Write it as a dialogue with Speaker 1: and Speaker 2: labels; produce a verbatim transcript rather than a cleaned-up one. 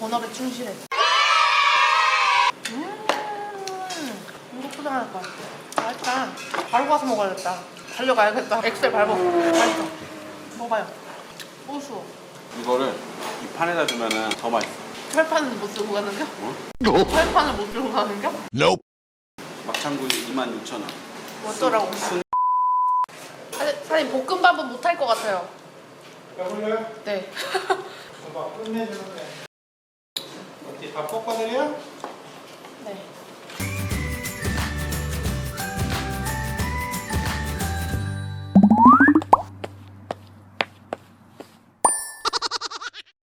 Speaker 1: 본업에 충실해. 음, 이거 포장할 거야. 맛있다. 바로 가서 먹어야겠다. 달려가야겠다. 엑셀 밟아. 맛있어. 먹어봐요. 고수.
Speaker 2: 이거를 이 판에다 두면은 더 맛있어.
Speaker 1: 철판은 못 쓰고 가는겨?
Speaker 2: 어?
Speaker 1: 철판을 못 들고 가는겨?
Speaker 2: Nope. 막창구이 이만 육천 원.
Speaker 1: 어쩌라고.
Speaker 2: 순...
Speaker 1: 사장님, 사장님 볶음밥은 못할 것 같아요.
Speaker 3: 배불러요?
Speaker 1: 네.
Speaker 3: 밥 끝내주는데. 어디 밥 볶아드려?
Speaker 1: 네.